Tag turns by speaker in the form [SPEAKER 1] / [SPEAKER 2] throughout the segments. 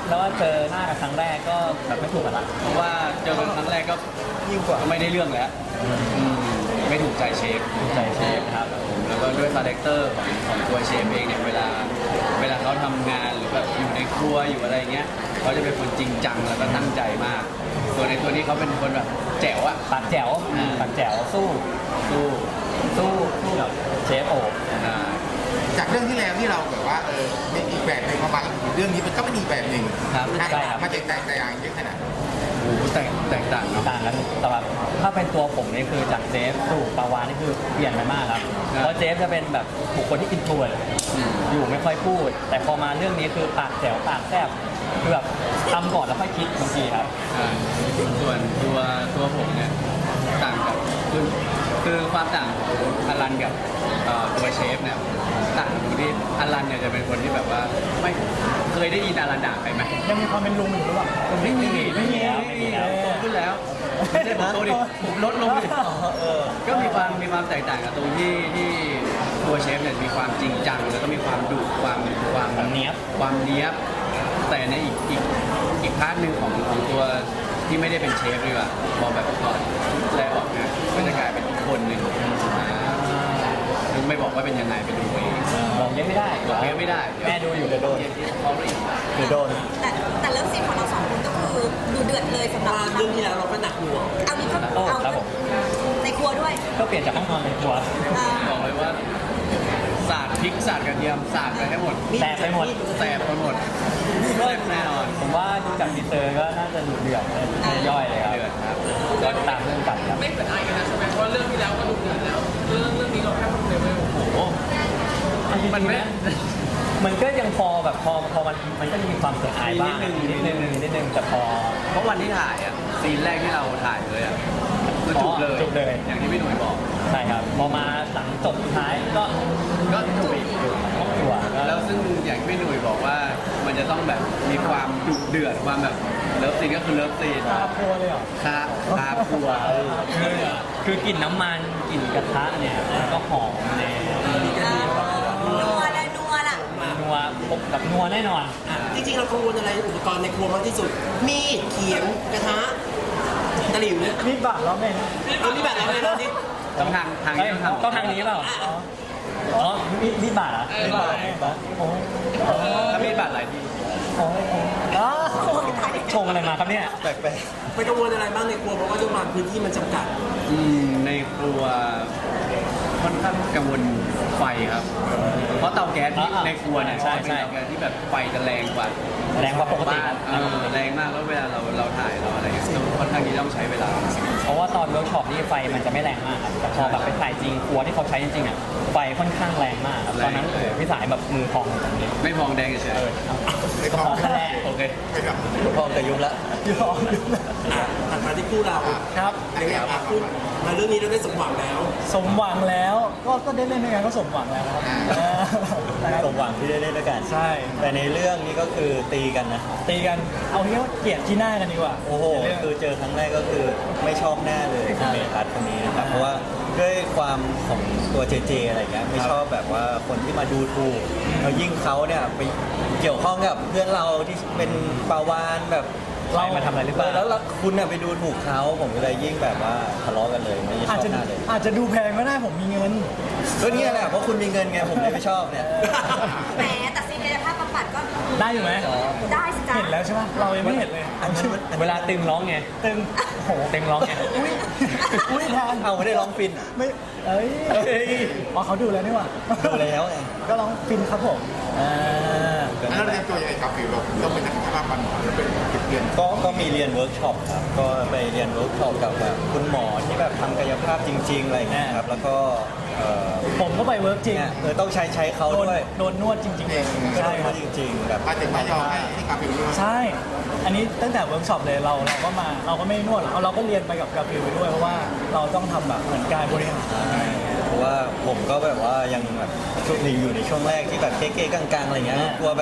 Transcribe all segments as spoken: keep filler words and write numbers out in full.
[SPEAKER 1] แล้วว่าเจอหน้ากันครั้งแรกก็แบบไม่ถูกกันละ
[SPEAKER 2] เพราะว่าเจอกันครั้งแรกก็ยิ่งกว่าไม่ได้เรื่องแล้วอืมไม่ถูกใจเชฟ
[SPEAKER 1] ถูกใจเชฟครับ
[SPEAKER 2] แล้วก็ด้วยคาแรคเตอร์ของของตัวเชฟเองเนี่ยเวลาเวลาเขาทำงานหรือแบบอยู่ในครัวอยู่อะไรเงี้ยเขาจะเป็นคนจริงจังแล้วก็ตั้งใจมากส่วนในตัวนี้เขาเป็นคนแบบแจ๋วอะ
[SPEAKER 1] ปากแจ๋วปากแจ๋วสู้
[SPEAKER 2] สู้
[SPEAKER 1] สู้สู้กับเชฟโอบ
[SPEAKER 2] อ่า
[SPEAKER 3] จากเรื่องที่แล้วที่เราแบบว่าเออเป็นอีกแบบหนึ่งมาบางเรื่องนี้มันก็เป็นอีกแบบหนึ่ง
[SPEAKER 2] ครับ
[SPEAKER 3] ใช่ครับมันแตกต่างแต่อย่างเยอะขนาด
[SPEAKER 2] โอ้โหแตกแตกต่างเนาะ
[SPEAKER 1] ต่างกันแต่แบบถ้าเป็นตัวผมนี่คือจากเจฟสู่ปาวานนี่คือเปลี่ยนไปมากครับ
[SPEAKER 2] ครับ
[SPEAKER 1] เพราะเจฟจะเป็นแบบบุคคลที่อินโทรเวิร์ต
[SPEAKER 2] อืม
[SPEAKER 1] อยู่ไม่ค่อยพูด แต่พอมาเรื่องนี้คือปากแจ๋วปากแซบคือแบบทำก่อนแล้วค่อยคิดบางทีครับ
[SPEAKER 2] อ่าส่วนตัวตัวผมเนี่ยต่างกับคือคือความต่างของอลันกับเอ่อตัวเชฟเนี่ยต่างตรงที่อลันเนี่ยจะเป็นคนที่แบบว่าไม่เคยได้ยินอลันด่าใครไหม
[SPEAKER 4] ยังมีความเป็นลุงอยู่หรือเปล่า
[SPEAKER 2] ไม่มี
[SPEAKER 1] ไม่มีแล้วไม่มีแล้ว
[SPEAKER 2] โตขึ้นแล้วไม่ใช่ผมโตดิผมลดลงดิก็มีความมีความแตกต่างกับตรงที่ที่ตัวเชฟเนี่ยมีความจริงจังแล้วก็มีความดุความความ
[SPEAKER 1] ความเนี๊ยบ
[SPEAKER 2] ความเนี้ยบแต่ในอีกอีกอีกพาร์ทหนึ่งของของตัวที่ไม่ได้เป็นเชฟดีกว่าพอแบบถอดชุดแรกออกนะก็จะกลายเป็นอีกคนหนึ่งอ่าซึ่งไม่บอกว่าเป็นยังไงไปดูเอง
[SPEAKER 1] บอกเยอะไม่ได้
[SPEAKER 2] บอกเองไม่ได้
[SPEAKER 1] แม่ดูอยู่
[SPEAKER 2] เดี๋ยวโดนเขาอีก
[SPEAKER 1] เดี๋ยวโดน
[SPEAKER 5] แต่แต่เรื่องซีนของเราสองคนก็คือดูเดือดเลยสำหรับ
[SPEAKER 4] เรื่องที่แล้วเราก็หนักหน่วง
[SPEAKER 5] เอานี้ก็
[SPEAKER 1] โอ้
[SPEAKER 5] เอา
[SPEAKER 1] ครับผม
[SPEAKER 5] ในครัวด้วย
[SPEAKER 1] ก็เปลี่ยนจากห้องนอนเป็นครัว
[SPEAKER 5] อ่า
[SPEAKER 2] บอกเลยว่าสาดพริกสาดกระเทียมสาดไปให้หมด
[SPEAKER 1] แสบไปหมด
[SPEAKER 2] แสบไปหมดแซ่บแน่นอน
[SPEAKER 1] ผมว่าดูจากทีเซอร์ก็น่าจะดูเดือดเลยย่อยเลยครับ
[SPEAKER 2] เดือดครับ
[SPEAKER 1] ก็ตามเรื่องกันครับ
[SPEAKER 6] ไม่เหมือนไอกันนะใช่ไหมเพราะเรื่องที่แล้วก็ดูเดือดแล้ว เรื่องเรื่องนี้เราแค่คนเดียวไม่โอ้โห
[SPEAKER 2] มันไม่
[SPEAKER 1] มันก็ยังพอแบบพอพอมันมันก็จะมีความเสียหายบ้าง
[SPEAKER 2] นิดนึง
[SPEAKER 1] นิดนึงนิดนึงแต่พอ
[SPEAKER 2] เพราะวันที่ถ่ายอ่ะซีนแรกที่เราถ่ายเลยอ่ะคือจุกเลย
[SPEAKER 1] จุกเลย
[SPEAKER 2] อย่างที่พี่หนุ่ยบอก
[SPEAKER 1] ใช่ครับพอมาหลังจบสุดท้ายก็
[SPEAKER 2] ก็จุกอีก
[SPEAKER 1] ครอบครัวก็
[SPEAKER 2] แล้วซึ่งอย่างที่พี่หนุ่ยบอกว่ามันจะต้องแบบมีความดุเดือดความแบบเลิฟซีนก็คือเลิฟซีน
[SPEAKER 4] คาครัวเลยเหรอ
[SPEAKER 2] คาคาครัว
[SPEAKER 1] คือคือกลิ่นน้ำมันกลิ่นกระทะเนี่ยมันก็หอมแน่
[SPEAKER 5] นัวเลยนัวล่ะ
[SPEAKER 1] นัวพบกับนัวแน่นอน
[SPEAKER 4] จริงๆเรากังวลอะไรอุปกรณ์ในครัวมากที่สุด มีดเขียงกระทะตะหลิวเนี่ยมีดบาดเราไงเอามีดบาดเราไงเราดิ
[SPEAKER 2] ต้องทางทาง
[SPEAKER 1] เอ้ย
[SPEAKER 2] นี้ต้องทำ
[SPEAKER 1] ต้องทางนี้เปล่าอ๋อมีมีดบาดเหรอ่ะมีดบาดมีดบาดโอ้โห
[SPEAKER 2] ถ้ามีดบาดหลายที
[SPEAKER 1] โอ้โหอ้าวชงอะไรมาครับเนี่ย
[SPEAKER 2] แปลก
[SPEAKER 4] ไปกังวลอะไรบ้างในครัวเพราะว่าด้วยความพื้นที่มันจำกัด
[SPEAKER 2] ๆอืมในครัวค่อนข้างกังวลไฟครับ เพราะเตาแก๊สที่
[SPEAKER 1] อ่า
[SPEAKER 2] ในครัวเนี่ย
[SPEAKER 1] ใช่
[SPEAKER 2] เป็น
[SPEAKER 1] ใช่
[SPEAKER 2] เตาแก๊สที่แบบไฟจะแรงกว่า
[SPEAKER 1] แรงกว่าปกติ
[SPEAKER 2] บ้านเออแรงมากแล้วเวลาเราเราถ่ายเราอะไรอย่างเงี้ยค่อนข้างที่ต้องใช้เวลา
[SPEAKER 1] เพราะว่าตอนเวิร์กช็อปนี่ไฟมันจะไม่แรงมากครับแต่พอแบบไปถ่ายจริงครัวที่เขาใช้จริงๆอ่ะไฟค่อนข้างแรงมากครับตอนนั้นโอ้โหพี่สายแบบมือพองตรงนี้
[SPEAKER 2] ไม่พองแดงเฉย
[SPEAKER 3] ไม่พอ
[SPEAKER 1] ก็แรง
[SPEAKER 2] ๆโอเค
[SPEAKER 3] ไม่ครับ
[SPEAKER 2] พองแต่ยุบละ
[SPEAKER 4] ยอมอ่ะถัดมาที่คู่เรา
[SPEAKER 1] ครับ
[SPEAKER 4] ในแง่อ่ะคู่มาเรื่องนี้เราได้สมหวังแล้ว
[SPEAKER 7] สมหวังแล้วก็ก็ได้เล่นด้วยกันก็สมหวังแล้วครับเออนะครับ
[SPEAKER 8] สมหวังที่ได้เล่นด้วยกัน
[SPEAKER 7] ใช่
[SPEAKER 8] แต่ในเรื่องนี้ก็คือตีกันนะ
[SPEAKER 7] ตีกันเอาเรียกว่าเกลียดที่หน้ากันดีกว่า
[SPEAKER 8] โอ้โห
[SPEAKER 7] ในเรื่อง
[SPEAKER 8] คือเจอครั้งแรกก็คือไม่ชอบหน้าเลยคุณเมทัศน์คนนี้นะครับ เพราะว่าด้วยความของตัวเจเจอะไรเงี้ยไม่ชอบแบบว่าคนที่มาดูถูกแล้วยิ่งเขาเนี่ยไปเกี่ยวข้องกับเพื่อนเราที่เป็นปาวานแบบ
[SPEAKER 1] เรามาทำอะไรหรือเปล่า
[SPEAKER 8] แล้วคุณน่ะไปดูถูกเขาผมก็เลยยิ่งแบบว่าทะเลาะกันเลยไม่ช
[SPEAKER 7] อาจ
[SPEAKER 8] อบ
[SPEAKER 7] จะ
[SPEAKER 8] หน้าเลย
[SPEAKER 7] อาจจะดูแพงก็ได้ผมมีเงิน
[SPEAKER 8] ก็เนี่ยแหละเพราะคุณมีเงินไงผมเลยไม่ชอบเนี่ย
[SPEAKER 5] แหมแต่ซีนกายภาพบำบัดก็
[SPEAKER 7] ได้อยู่ไหม
[SPEAKER 5] ได้สิจ้า
[SPEAKER 7] เห็นแล้วใช่ไหมเรายังไม่เห็นเลย
[SPEAKER 8] อันนี้มัน
[SPEAKER 1] เวลาตึงร้องไง
[SPEAKER 7] ตึงโห
[SPEAKER 1] ตึงร้องไง
[SPEAKER 7] อุ้ยอุ้ยแทน
[SPEAKER 8] เอาไม่ได้ร้องฟิน
[SPEAKER 7] ไม่เอ้ย
[SPEAKER 8] เอ้ย
[SPEAKER 7] อ๋อเขาดูแล้วนี่หว่า
[SPEAKER 8] ดูแล้วไง
[SPEAKER 7] ก็ร้องฟินครับผมอ่า
[SPEAKER 3] แล้วเราเตรียมตัวยังไงครับฟิวเราต้องเป็นนักภาพมันเป็นเก็บเรียน
[SPEAKER 8] ก็ก็มีเรียนเวิร์กช็อปครับ ก็ไปเรียนเวิร์กช็อปกับแบบคุณหมอที่แบบทำกายภาพจริง ๆ อะไรอย่างเงี้ยครับ แล้วก็เอ่อ
[SPEAKER 7] ผมก็ไปเวิร์กจริง
[SPEAKER 8] เนี่ยเออต้องใช้ใช้เขา
[SPEAKER 7] โดน
[SPEAKER 8] ด้วย
[SPEAKER 7] โดนนวดจริงๆเลย
[SPEAKER 8] ก็
[SPEAKER 7] ใช่
[SPEAKER 8] ได้
[SPEAKER 7] ค
[SPEAKER 8] เขา
[SPEAKER 7] รับ
[SPEAKER 8] จริง ๆ แบบ
[SPEAKER 3] มาถึงมายอมให้ให้กับฟิวด้วย
[SPEAKER 7] ใช่ อันนี้ตั้งแต่เวิร์กช็อปเลยเราเราก็มาเราก็ไม่นวดเราเราก็เรียนไปกับกราฟิลไปด้วยเพราะว่าเราต้องทำแบบเหมือนการบริหารอะไรอย่างเงี้ย
[SPEAKER 8] เพราะว่าผมก็แบบว่ายังแบบช่วงนี้อยู่ในช่วงแรกที่แบบเก๊ๆกังๆอะไรเงี้ย
[SPEAKER 7] อ่า
[SPEAKER 8] กลัวแบบ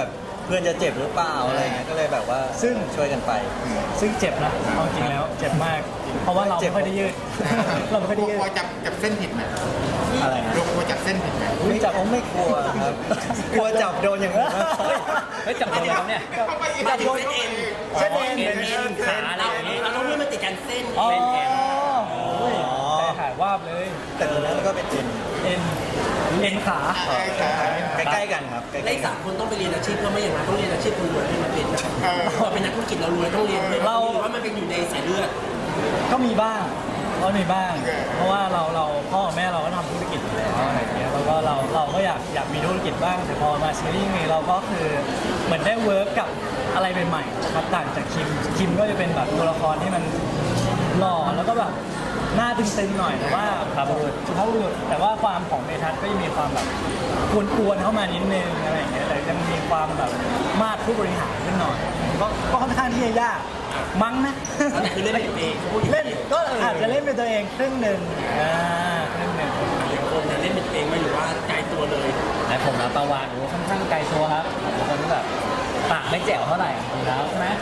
[SPEAKER 8] เพื่อนจะเจ็บหรือเปล่าอะไรเงี้ยก็เลยแบบว่า
[SPEAKER 7] ซึ่ง
[SPEAKER 8] ช่วยกันไป
[SPEAKER 7] ซึ่งเจ็บนะเอาจริงแล้วเจ็บมาก เพราะว่าเรา
[SPEAKER 8] เจ็บ
[SPEAKER 7] ไม่ค่อยได้ยืด เราไม่ค่อย
[SPEAKER 3] กลั
[SPEAKER 7] ได้
[SPEAKER 3] ว
[SPEAKER 7] ยื
[SPEAKER 3] กลัว
[SPEAKER 7] ด
[SPEAKER 3] จับจับเส้นผิดไหม
[SPEAKER 8] อะไรนะ
[SPEAKER 3] กลัวจับเส้นผิดไหม
[SPEAKER 8] ไม่จับผมไม่กลัวครับกลัวจับโดนอย่างอื่นมากกว่า
[SPEAKER 1] เฮ้ยจับตัวแล้วเนี่ย
[SPEAKER 4] มาถึงเส้นเอ็น
[SPEAKER 7] เส้นเอ็น
[SPEAKER 1] เอ็นเอ็นขาอะไรอย่างงี้
[SPEAKER 4] เราต้องนี่มันติดกันเส้น
[SPEAKER 7] อ๋อ
[SPEAKER 1] เส้นเอ็น
[SPEAKER 7] โอ้ยใจหายวาบเลย
[SPEAKER 8] แต่ตรงนั้นก็เป็นเอ็น
[SPEAKER 7] เอ็นเอ็นขา
[SPEAKER 8] ใกล้ๆกันครับใก
[SPEAKER 4] และ
[SPEAKER 8] ล้
[SPEAKER 4] อีก
[SPEAKER 8] ๆกั
[SPEAKER 4] สาน มคนต้องไปเรียนอาชีพเพราะไม่อย่างนั้นต้องเรียนอาชีพคนรวยให้มันเป็นเราเป็นนักธุรกิจเรารวยต้องเรียนด้วยเราว่ามันเป็นอยู่ในสายเลือด
[SPEAKER 7] ก็มีบ้างก็มีบ้าง เพราะว่าเราเราพ่อกับแม่เราก็ทำธุรกิจอยู่แล้วอะไรอย่างเงี้ยแล้วก็เราเราก็อยากอยากมีธุรกิจบ้างแต่พอมาซีรีส์นี้เราก็คือเหมือนได้เวิร์กกับอะไรใหม่ๆนะครับต่างจากคิมคิมก็จะเป็นแบบตัวละครที่มันหล่อแล้วก็แบบหน้าตึงๆหน่อยแต่ว่าสุภาพบุรุษสุภาพบุรุษแต่ว่าความของเมทัศน์ก็จะมีความแบบกวนๆเข้ามานิดนึงอะไรอย่างเงี้ยแต่ยังมีความแบบมาดผู้บริหารขึ้นหน่อยก็ก็ค่อนข้างที่จะยากมั้งนะ
[SPEAKER 4] แต่คือเล่นเป็นตัวเองพูดอย่าง
[SPEAKER 7] เล่นก็อาจจะเล่นเป็นตัวเองครึ่งหนึ่งอ่าครึ่งหนึ่ง
[SPEAKER 4] คนเนี่ยเล่นเป็นตัวเองไหมหรือว่าไกลตัวเลย
[SPEAKER 1] และผมนะประวานโอ้ค่อนข้างไกลตัวครับเป็นคนที่แบบปากไม่แจ๋วเท่าไหร่อยู่แล้วใช่ไหม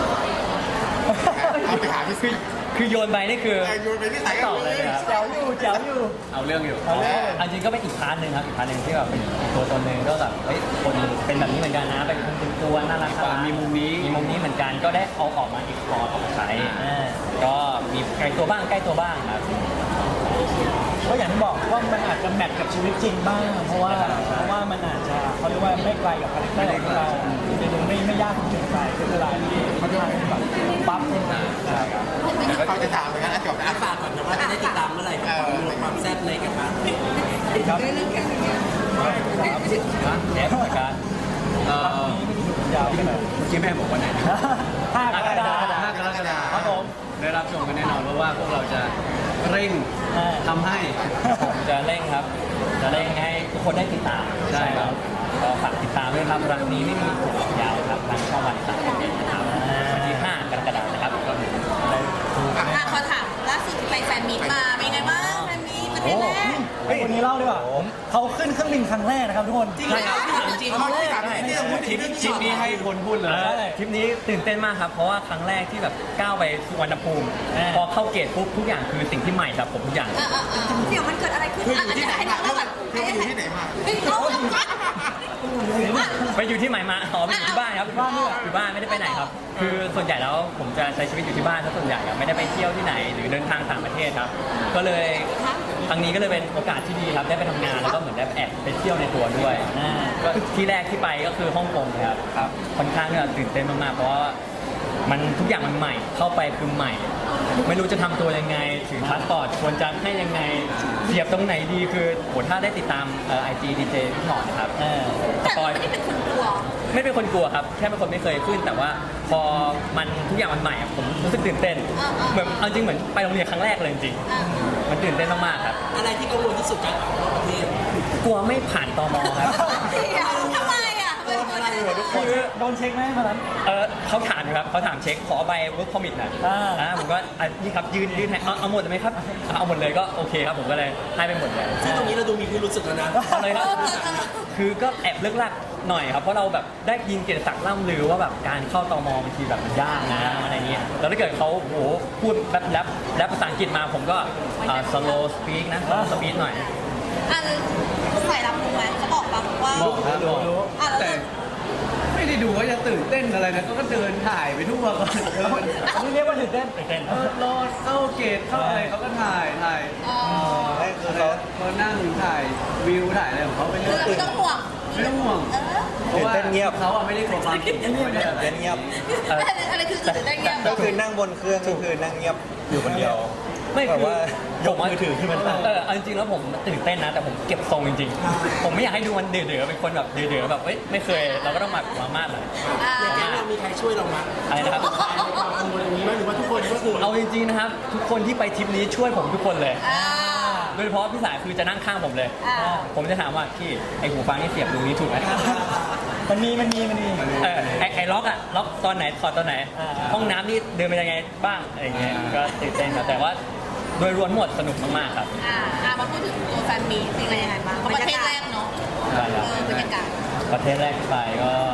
[SPEAKER 3] เอาไปหาพี่ซิ
[SPEAKER 1] คือโยนไปนี่คือ
[SPEAKER 3] โยนไปที่ไหน
[SPEAKER 1] ตอบเลยนะครับ
[SPEAKER 7] แจ๋วอยู่แจ๋วอยู่
[SPEAKER 2] เอาเรื่องอยู่
[SPEAKER 7] เอาเลย
[SPEAKER 1] อันจริงก็เป็นอีกพาร์ทหนึ่งครับอีกพาร์ทหนึ่งที่แบบเป็นอีกตัวตนหนึ่งก็แบบเฮ้ยคนเป็นแบบนี้เหมือนกันนะเป็นคนเป็นตัวน่ารัก
[SPEAKER 2] ความมีมุมนี้
[SPEAKER 1] มีมุมนี้เหมือนกันก็ได้เอาออกมาอีกพอร์ตออกมาใช้อ่าก็มีไกลตัวบ้างใกล้ตัวบ้างครับ
[SPEAKER 7] ก็อย่างที่บอกว่ามันอาจจะแมทกับชีวิตจริงบ้าง เพราะว่าเพราะว่ามันอาจจะเขาเรียกว่าไม่ไกลกับคาแรคเตอร์ของเราจะดูไม่ไม่ยากจนเกินไปคือเวลาที่เขาทำแบบปั๊บขึ้นมา
[SPEAKER 3] เขาจะถามเหมือนกันอ่ะจบนะ
[SPEAKER 4] อาฝากก่อนนะว่าจะได้ติดตามเมื่อไหร่กับความรวยความแซ่บในกระทะ
[SPEAKER 7] ครับ
[SPEAKER 1] แอปเหมือนกัน
[SPEAKER 2] เอ่อย
[SPEAKER 7] าวไปหน่อย
[SPEAKER 2] เมื่อกี้แม่บอกว่าไหนนะ
[SPEAKER 7] ห้ากรกฎาคม
[SPEAKER 2] ห้ากรกฎา
[SPEAKER 7] ครับผม
[SPEAKER 2] ได้รับชมกันแน่นอนเพราะว่าพวกเราจะเร่ง
[SPEAKER 7] อ่า
[SPEAKER 2] ทำให้
[SPEAKER 1] ผมจะเร่งครับ จะเร่งให้ทุกคนได้ติดตาม
[SPEAKER 2] ใช่ครับ
[SPEAKER 1] ก็ฝากติดตามด้วยครับรังนี้ไม่มีถูกยาวครับทางช่องวันสามสิบเอ็ดนะครับวันที่ห้ากรกฎาคมนะครับ
[SPEAKER 5] อ่ะขอถามล่าสุดที่ไปแฟนมีตมาเป็นไงบ้างแฟนมีตประเทศแรก
[SPEAKER 7] เฮ้ยคนนี้เล่าดีกว่าเขาขึ้นเครื่องบินครั้งแรกนะครับทุกคน
[SPEAKER 4] จริงเหรอจริง
[SPEAKER 3] เอาที่ถามที่ที่พูด
[SPEAKER 2] ทริปทริปนี้ให้คนพูดเลย
[SPEAKER 1] เออทริปนี้ตื่นเต้นมากครับ เพราะว่าครั้งแรกที่แบบก้าวไปสุวรรณภูมิ
[SPEAKER 7] อ่า
[SPEAKER 1] พอเข้าเกตปุ๊บทุกอย่างคือสิ่งที่ใหม่ครับผมทุกอย่าง
[SPEAKER 5] เออเออเออเดี๋ยวมันเกิดอะไรขึ้น
[SPEAKER 3] เธออ
[SPEAKER 5] อ่ะ
[SPEAKER 3] ยู่ที่ไหน
[SPEAKER 5] ให้
[SPEAKER 3] มา
[SPEAKER 5] เราแบบ
[SPEAKER 3] เธออยู่ที่ไหนมา
[SPEAKER 5] เฮ้ยเอาเอาเอา
[SPEAKER 1] ไปอยู่ที่ไหนมาอ๋อไปอยู่ที่บ้านครับบ้านอยู่บ้านไม่ได้ไปไหนครับ คือส่วนใหญ่แล้วผมจะใช้ชีวิตอยู่ที่บ้านซะส่วนใหญ่อะไม่ได้ไปเที่ยวที่ไหนหรือเดินทางต่างประเทศครับ ก็เลยครั้งนี้ก็เลยเป็นโอกาสที่ดีครับได้ไปทำงานแล้วก็เหมือนได้แอบไปเที่ยวในตัวด้วยอ่าก็ที่แรกที่ไปก็คือฮ่องกงครับครับค่อนข้างที่จะตื่นเต้นมากๆเพราะว่ามันทุกอย่างมันใหม่ เข้าไปคือใหม่ ไม่รู้จะทำตัวยังไงถือพาสปอร์ตควรจะให้ยังไงเสียบตรงไหนดีคือโหถ้าได้ติดตามไอจีดีเจพี่หนอนนะครับ
[SPEAKER 7] เออ
[SPEAKER 1] ส
[SPEAKER 5] แต่
[SPEAKER 1] ปอย
[SPEAKER 5] ไม่ได้เป็นคนกลัว
[SPEAKER 1] ไม่เป็นคนกลัวครับ แค่เป็นคนไม่เคยขึ้น แต่ว่าพอมันทุกอย่างมันใหม่อะผมรู้สึกตื่นเต้น
[SPEAKER 5] อ่าๆ
[SPEAKER 1] เหมือนเอาจริงเหมือนไปโรงเรียนครั้งแรกเลยจริง
[SPEAKER 5] อ่ะ
[SPEAKER 1] ๆมันตื่นเต้นมากๆครับ
[SPEAKER 4] อะไรที่กังวลที่สุดการออกนอกประเทศ
[SPEAKER 1] กลัวไม่ผ่านตมครับ
[SPEAKER 5] เดี๋ยวทำไมอ่ะทำไมคนอะไรอ่ะ
[SPEAKER 1] คือ
[SPEAKER 7] โดนเช็คไหมมานั้น
[SPEAKER 1] เออเขาถามอยู่ครับเขาถามเช็คขอใบ work permit หน่อย
[SPEAKER 7] อ่า
[SPEAKER 1] อ่าผมก็อ่ะนี่ครับยืนยืนให้เอาเอาหมดเลยไหมครับเอาหมดเลยก็โอเคครับผมก็เลยให้ไปหมดเลย
[SPEAKER 4] ซึ่งตรงนี้เราดูมีพิรุษสุดแล้วนะ
[SPEAKER 1] เอาเลยครับ คือก็แอบเลิกลักหน่อยครับ เพราะเราแบบได้ยินเกียรติศักดิ์ล่ำลือว่าแบบการเข้าตมบางทีแบบมันยากนะอะไรเงี้ย แล้วถ้าเกิดเขาโอ้โหพูดแบบแรปแรปภาษาอังกฤษมาผมก็อ่า slow speak นะ slow speak หน่อย
[SPEAKER 5] อันใส่รับรู้ไหมเขาบอกปะว่า
[SPEAKER 1] บอกครับบอก
[SPEAKER 5] อ่ะแล้ว
[SPEAKER 2] แต่ไม่ได้ดูว่าจะตื่นเต้นอะไรนะก็เดินถ่ายไปทั่วก่อนเดิน
[SPEAKER 7] อันนี้เรียกว่าตื่นเต้นตื่นเต้น
[SPEAKER 2] เออรอเข้าเกตเข้าอะไรเขาก็ถ่ายถ่าย
[SPEAKER 5] อ๋อ
[SPEAKER 8] ให้คือ
[SPEAKER 2] เขา
[SPEAKER 8] เขา
[SPEAKER 2] เขานั่งถ่ายวิวถ่ายอะไรของเขาไป
[SPEAKER 5] คือ
[SPEAKER 2] เรื่อย
[SPEAKER 5] เราไม่ต้องห่วง
[SPEAKER 2] ไม่ต้องห่วง
[SPEAKER 5] เออ
[SPEAKER 2] เพราะว่า
[SPEAKER 8] ตื่นเต้นเงียบ
[SPEAKER 2] เขาอะไม่ได้กลัวความจริงไม่ได้อะไร
[SPEAKER 8] เต้นเงียบ
[SPEAKER 1] เออ
[SPEAKER 5] อะไรอะไรคือตื่นเต้นเงียบ
[SPEAKER 8] ก็คือนั่งบนเครื่องก็คือนั่งเงียบอยู่คนเดียว
[SPEAKER 1] ไม่
[SPEAKER 8] แบบ
[SPEAKER 1] คือ
[SPEAKER 8] ว่า ยกมือถือขึ้นมาถ่าย
[SPEAKER 1] เออเอาจริงๆแล้วผมตื่นเต้นนะ แต่ผมเก็บทรงจริงๆ ผมไม่อยากให้ดูมันเดือดๆเป็นคนแบบเดือดๆแบบเอ้ยไม่เคยเราก็ต้องแบบมามากหน่อย
[SPEAKER 5] อ่า
[SPEAKER 4] แก๊งเรามีใครช่วยเรามั้ย
[SPEAKER 1] อะไรนะครับ
[SPEAKER 4] ความกังวลอย่างนี้ไหมหรือว่าทุกคนก็คือ
[SPEAKER 1] เอาจริงๆนะครับ ทุกคนที่ไปทริปนี้ช่วยผมทุกคนเลย
[SPEAKER 5] อ่า
[SPEAKER 1] โดยเฉพาะพี่สายคือจะนั่งข้างผมเลย
[SPEAKER 5] อ่า
[SPEAKER 1] ผมจะถามว่าพี่ไอหูฟังนี่เสียบตรงนี้ถูกไหม
[SPEAKER 7] มันมีมันมีมันมี
[SPEAKER 1] เออไอไอล็อกอะล็อกตอนไหนถอดตอนไหน
[SPEAKER 7] อ่า
[SPEAKER 1] ห้องน้ำนี่เดินไปยังไงบ้างอะไรอย่างเงี้ยก็ตื่นเต้นครับแต่ว่าโดยรวมหมดสนุกมากๆครับ
[SPEAKER 5] อ่าอ่ามาพูดถึงตัวแฟนมีเป็นไงยังไงบ้างเพราะประเทศแรกเนาะ
[SPEAKER 1] ใช่
[SPEAKER 5] เอ
[SPEAKER 1] ครับ
[SPEAKER 5] อบรรยากาศ
[SPEAKER 1] ประเทศแรกที่ไปก็โอ้โห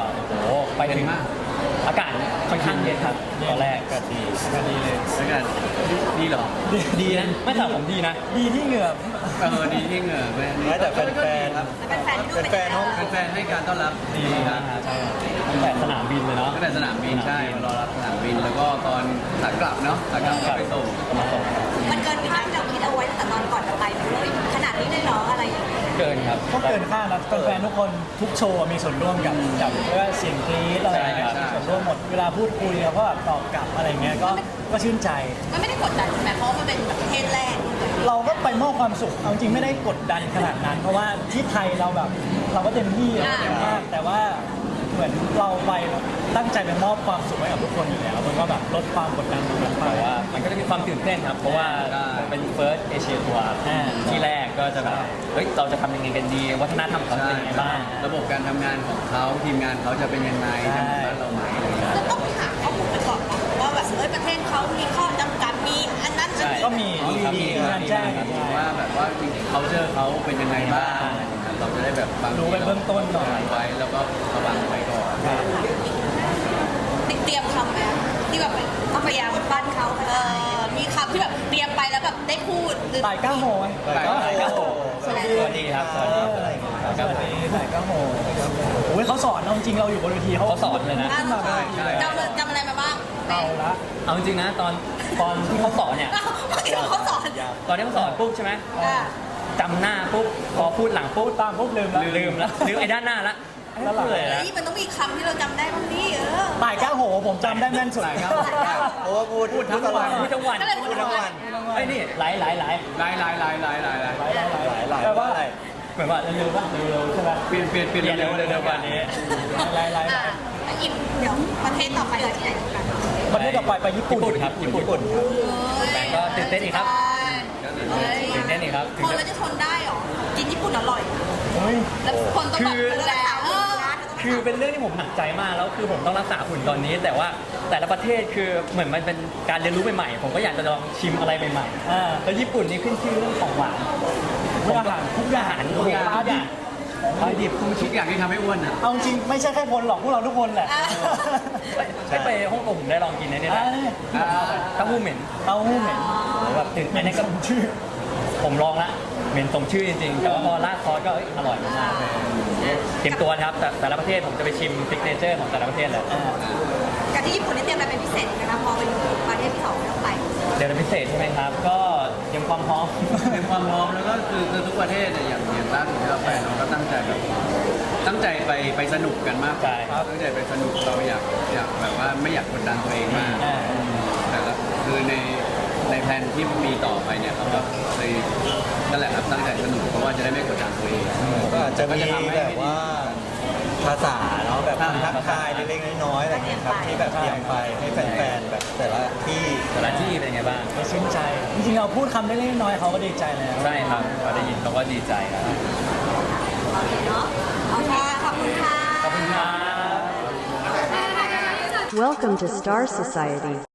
[SPEAKER 1] ไปถึง
[SPEAKER 2] เย็นมาก
[SPEAKER 1] อากาศค่อนข้างเย็นครับตอนแรกก็ดี
[SPEAKER 7] ก็ดีเลย
[SPEAKER 2] แล้วกันดีเหรอ
[SPEAKER 1] ดีนะไม่แต่ผมดีนะ
[SPEAKER 7] ดีที่เหงื่อ
[SPEAKER 2] เออดีที่เหงื่อแม่
[SPEAKER 8] ไม่แต่แฟนๆ
[SPEAKER 2] ครับ
[SPEAKER 5] เป็นแฟนที่ดู
[SPEAKER 8] แฟนๆห้อง
[SPEAKER 2] แฟนๆให้การต้อนรับดีครับ
[SPEAKER 1] ใช่ตั้งแต่สนามบินเลยเนาะ
[SPEAKER 2] ตั้งแต่สนามบินใช่มารอรับสนามบินแล้วก็ตอนขากลับเนาะขากลับก็ไปส่ง
[SPEAKER 1] มาส่ง
[SPEAKER 5] มันเกินภาพที่เราคิดเอาไว้ตั้งแต่ตอนก่อนจะไปเลยขนาดนี้เลยเหรออะไรอย่างเงี้ย
[SPEAKER 1] เกินครับ
[SPEAKER 7] ก็เกินคาดนะแฟนๆทุกคนทุกโชว์มีส่วนร่วมกับกับไม่ว่าเสียงกรี๊ดอะไรอย่างเงี้ย
[SPEAKER 1] ใช่
[SPEAKER 7] มี
[SPEAKER 1] ครับ
[SPEAKER 7] ส่วนร่วมหมดเวลาพูดคุยเราก็แบบตอบกลับอะไรเงี้ยก็ก็ชื่นใจ
[SPEAKER 5] มันไม่ได้กดดันใช่ไหมเพราะว่ามันเป็นแบบประเทศแรก
[SPEAKER 7] เราก็ไปมอบความสุขเอาจริงไม่ได้กดดันขนาดนั้น เพราะว่าที่ไทยเราแบบเราก็เต็มที่เราเต็มมากแต่ว่าเหมือนเราไปแบบตั้งใจไปมอบความสุขให้กับทุกคนอยู่แล้วมันก็แบบลดความกดดันตรงนั้นไป
[SPEAKER 1] แต่ว่ามันก็จะมีความตื่นเต้นครับ เพราะว่าเป็น first Asia tour ที่แรกก็จะแบบเฮ้ยเราจะทำยังไงกันดี วัฒนธรรมเขาเป็นยังไงบ้าง
[SPEAKER 2] ระบบการทำงานของเขาทีมงานเขาจะเป็นยังไงจะเหมือนบ้านเราไหมอะไรอย่างเงี้ย
[SPEAKER 5] จะต้องไปหาข้อมูลไปก่อนนะว่าแบบเออประเทศเขามีข้อจำกัดมีอันนั้นอันนี้
[SPEAKER 7] ก็มี
[SPEAKER 2] อ๋อครับ
[SPEAKER 7] มี
[SPEAKER 2] มี
[SPEAKER 7] งานแจ้ง
[SPEAKER 2] ครับว่าแบบว่าจริงๆ culture เขาเป็นยังไงบ้างอะไรอย่างเงี้ยเราจะได้แบบบางที
[SPEAKER 7] รู้ไปเบื้องต้นหน่อย
[SPEAKER 2] ไว้แล้วก็ระวังไว้ก่อน
[SPEAKER 5] เตรียมคำไหมที่แบบต้องพยายามปั้นเขาเออมีคำที่แบบเตรียมไปแล้วแบบได้พูดหรือ
[SPEAKER 7] ต่ายก้าโหย
[SPEAKER 8] แต่ก็
[SPEAKER 1] โอ้โหสวัสดีครับ สวัสดีครับ
[SPEAKER 7] สวัสดีต่ายก้าโหยโอ้ยเขาสอนเราจริงเราอยู่บนเวทีเขา
[SPEAKER 1] เขาสอนเลยนะ
[SPEAKER 7] ขึ้นมาเลย
[SPEAKER 5] จำจำอะไรมาบ้าง
[SPEAKER 7] เอาละ
[SPEAKER 1] เอาจริงๆนะตอนตอนที่เขาสอนเนี่ย
[SPEAKER 5] ที่เขาสอน
[SPEAKER 1] ตอนที่เขาสอนปุ๊บใช่ไหม
[SPEAKER 5] อ่า
[SPEAKER 1] จำหน้าปุ๊บพอพูดหลังปุ๊บ
[SPEAKER 7] ตามปุ๊บลืมแล้ว
[SPEAKER 1] ลืมแล้วลืมไอ้ด้านหน้าละ
[SPEAKER 7] แล้วหลัง
[SPEAKER 1] เลย
[SPEAKER 5] เฮ้
[SPEAKER 1] นะ
[SPEAKER 5] ยมันต้องมีคำที่เราจำได้บ้างนี่เออ
[SPEAKER 7] ต่ายก้าโหผมจำได้แม่นสุด
[SPEAKER 8] เพราะว่าพูด
[SPEAKER 1] พูดทั้งวันพูดทั้งวัน
[SPEAKER 5] ก็เลยพูดทั้งวัน
[SPEAKER 1] ไอ้ยนี่หลายหลายหลาย
[SPEAKER 2] ลายลายลายลายลายลาย
[SPEAKER 7] หลายหลายหลาย
[SPEAKER 8] หลาย
[SPEAKER 7] แปลว่า
[SPEAKER 8] อะไร
[SPEAKER 1] เหมือนว่าเร็วๆป่ะเร็วๆใช่ไหม
[SPEAKER 2] เปลี่ยนเปลี่ยนเปลี่ยน
[SPEAKER 1] เร็วๆเร็วๆกว่านี้
[SPEAKER 7] หลายหลายห
[SPEAKER 5] อ่า
[SPEAKER 7] ลาย
[SPEAKER 5] แล้วอิมเดี๋ยวประเทศต่อไปเราที่ไหนกัน
[SPEAKER 7] ประเทศต่อไปไปญี่ปุ่น
[SPEAKER 1] ญี่ปุ่นครับญี่ปุ่น แต่ก็ตื่นเต้นอีกครับ
[SPEAKER 5] เฮ้ย
[SPEAKER 1] ตื่นเต้นอีกครับถึง
[SPEAKER 5] คน
[SPEAKER 1] จะ
[SPEAKER 5] เราจะทนได้เหรอกินญี่ปุ่นอร่อย
[SPEAKER 7] โอ้ย
[SPEAKER 5] แล้วคนต้องแบบ
[SPEAKER 1] คือ
[SPEAKER 5] ดูแลเออ
[SPEAKER 1] คือเป็นเรื่องที่ผมหนักใจมากแล้วคือผมต้องรักษาหุ่นตอนนี้ แต่ว่าแต่ละประเทศคือเหมือนมันเป็นการเรียนรู้ใหม่ๆผมก็อยากจะลองชิมอะไรใหม่
[SPEAKER 7] อ่า
[SPEAKER 1] ๆแล้วญี่ปุ่นนี่ขึ้นชื่อเรื่องของหวาน
[SPEAKER 7] ทุกอาหารทุกอย่าง
[SPEAKER 1] ทุกอย่าง
[SPEAKER 7] ปลาดิบ
[SPEAKER 1] ปลาดิบ
[SPEAKER 2] ทุกอย่างที่ทำให้อ้วนอ่ะ
[SPEAKER 7] เอาจริงไม่ใช่แค่คนหรอกพวกเราทุกคนแหละ
[SPEAKER 1] ไม่ไปฮ่องกงผมได้ลองกินในนี่แหละ
[SPEAKER 7] อ่า
[SPEAKER 1] เต้าหู้เหม็น
[SPEAKER 7] เต้าหู้เหม็น
[SPEAKER 1] แบบตื่น
[SPEAKER 7] เหม็
[SPEAKER 1] เต้น
[SPEAKER 7] น
[SPEAKER 1] ใน
[SPEAKER 7] ส
[SPEAKER 1] กับ
[SPEAKER 7] มชื่อ
[SPEAKER 1] ผมลองละเหม็นสมชื่อจริงๆแต่ว่าพอราดซอสก็เอ้ยอร่อยมากๆเตรียมตัวนะครับแต่แต่ละประเทศผมจะไปชิมซิกเนเจอร์ของแต่ละประเทศเลย
[SPEAKER 5] กับที่ญี่ปุ่นนี่เตรียมอะไรเป็นพิเศษนะคะพอไปอยู่ประเทศที่สองแล้วไป
[SPEAKER 1] เดือนพิเศษใช่ไหมครับ ก็เตรียมความพร้อม
[SPEAKER 2] เป็นความพร้อมแล้วก็คือคือทุกประเทศเนี่ยอย่างอย่างล่าสุดที่เราไปเราก็ตั้งใจแบบตั้งใจไปไปสนุกกันมากกว่า
[SPEAKER 1] ใช่ครับ
[SPEAKER 2] ตั้งใจไปสนุกเราอยากอยากแบบว่าไม่อยากกดดันตัวเองมาก
[SPEAKER 7] อ่า
[SPEAKER 2] แต่ละคือในในแผนที่มีต่อไปเนี่ยเราก็เลยนั่นแหละครับตั้งใจสนุกเพราะว่าจะได้ไม่กดดันตัวเอง
[SPEAKER 8] ก็อาจจะมีแบบว่าภาษาเนาะแบบคำทักทายเล็กๆน้อยๆอะไรอย่างเงี้ยครับที่แบบเตรียมไปให้แฟนๆแบบแต่ละที่
[SPEAKER 1] แต่ละที่เป็นไงบ้าง
[SPEAKER 7] ก็ชื่นใจ จริงๆเราพูดคำเล็กๆน้อยๆเขาก็ดีใจแล้ว
[SPEAKER 1] ใช่ครับเขาได้ยินเขาก็ดีใจครับ
[SPEAKER 5] เนาะโอเคขอบคุณค่ะ
[SPEAKER 1] ขอบคุณครับ
[SPEAKER 9] Welcome to Star Society.